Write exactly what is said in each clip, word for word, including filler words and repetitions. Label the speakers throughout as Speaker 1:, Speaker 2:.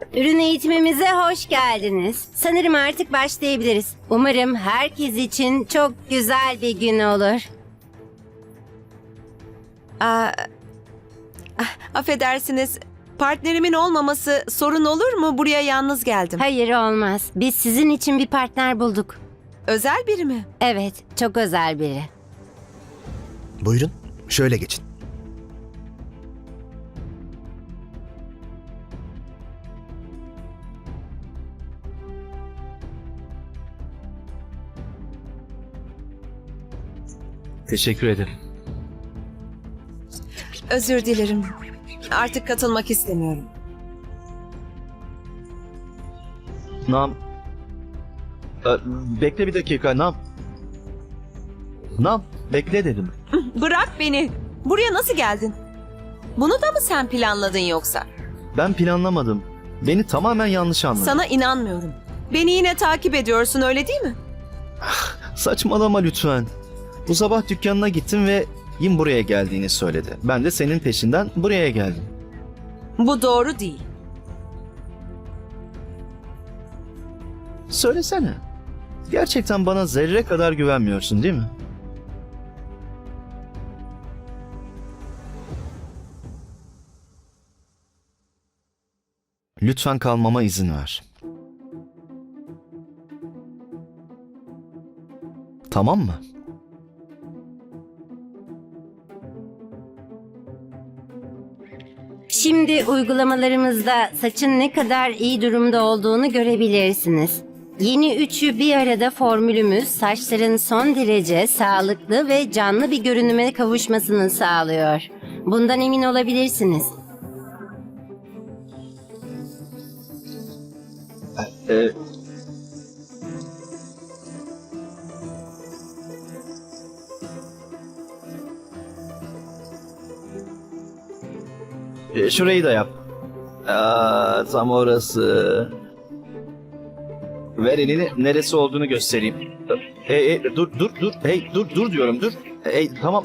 Speaker 1: Ürün eğitimimize hoş geldiniz. Sanırım artık başlayabiliriz. Umarım herkes için çok güzel bir gün olur.
Speaker 2: Aa, ah, affedersiniz, partnerimin olmaması sorun olur mu? Buraya yalnız geldim.
Speaker 1: Hayır, olmaz. Biz sizin için bir partner bulduk.
Speaker 2: Özel biri mi?
Speaker 1: Evet, çok özel biri.
Speaker 3: Buyurun, şöyle geçin.
Speaker 4: Teşekkür ederim.
Speaker 2: Özür dilerim. Artık katılmak istemiyorum.
Speaker 4: Nam. Ee, bekle bir dakika Nam. Nam, bekle dedim.
Speaker 2: Bırak beni. Buraya nasıl geldin? Bunu da mı sen planladın yoksa?
Speaker 4: Ben planlamadım. Beni tamamen yanlış anladın.
Speaker 2: Sana inanmıyorum. Beni yine takip ediyorsun, öyle değil mi?
Speaker 4: Saçmalama lütfen. Bu sabah dükkanına gittim ve Yim buraya geldiğini söyledi. Ben de senin peşinden buraya geldim.
Speaker 2: Bu doğru değil.
Speaker 4: Söylesene. Gerçekten bana zerre kadar güvenmiyorsun değil mi? Lütfen kalmama izin ver. Tamam mı?
Speaker 1: Şimdi uygulamalarımızda saçın ne kadar iyi durumda olduğunu görebilirsiniz. Yeni üçü bir arada formülümüz saçların son derece sağlıklı ve canlı bir görünüme kavuşmasını sağlıyor. Bundan emin olabilirsiniz.
Speaker 4: Ee, e, şurayı da yap. Aa, tam orası. Ver elini, neresi olduğunu göstereyim. Hey, hey, dur dur dur. Hey dur dur diyorum dur. Hey tamam.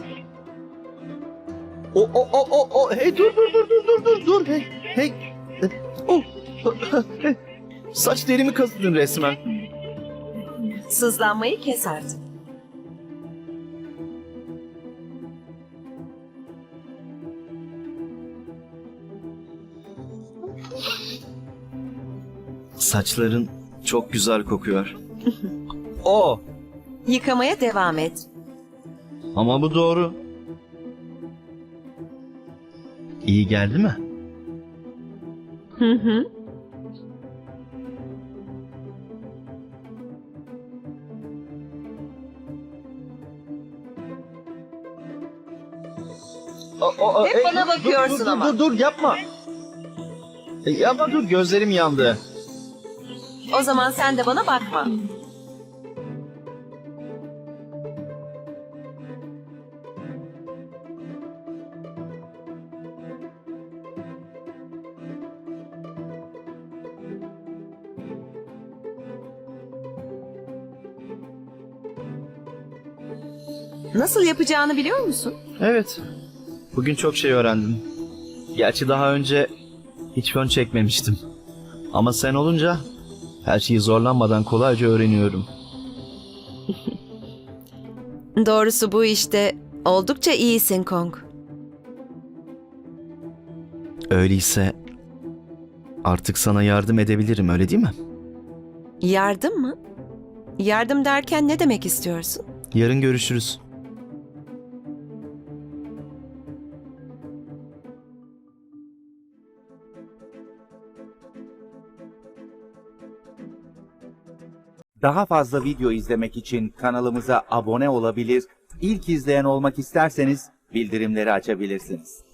Speaker 4: O o o o o hey dur dur dur dur dur dur dur. Hey hey. Oh. Saç derimi kazıdın resmen.
Speaker 2: Sızlanmayı kes artık.
Speaker 4: Saçların çok güzel kokuyor. O.
Speaker 2: Yıkamaya devam et.
Speaker 4: Ama bu doğru. İyi geldi mi?
Speaker 2: Hı hı.
Speaker 4: O, o,
Speaker 2: Hep bana
Speaker 4: dur,
Speaker 2: bakıyorsun
Speaker 4: dur, dur,
Speaker 2: ama.
Speaker 4: Dur dur yapma. E, yapma dur gözlerim yandı.
Speaker 2: O zaman sen de bana bakma. Nasıl yapacağını biliyor musun?
Speaker 4: Evet. Bugün çok şey öğrendim. Gerçi daha önce hiç fön çekmemiştim. Ama sen olunca her şeyi zorlanmadan kolayca öğreniyorum.
Speaker 2: Doğrusu bu işte oldukça iyisin Kong.
Speaker 4: Öyleyse artık sana yardım edebilirim, öyle değil mi?
Speaker 2: Yardım mı? Yardım derken ne demek istiyorsun?
Speaker 4: Yarın görüşürüz.
Speaker 5: Daha fazla video izlemek için kanalımıza abone olabilir, ilk izleyen olmak isterseniz bildirimleri açabilirsiniz.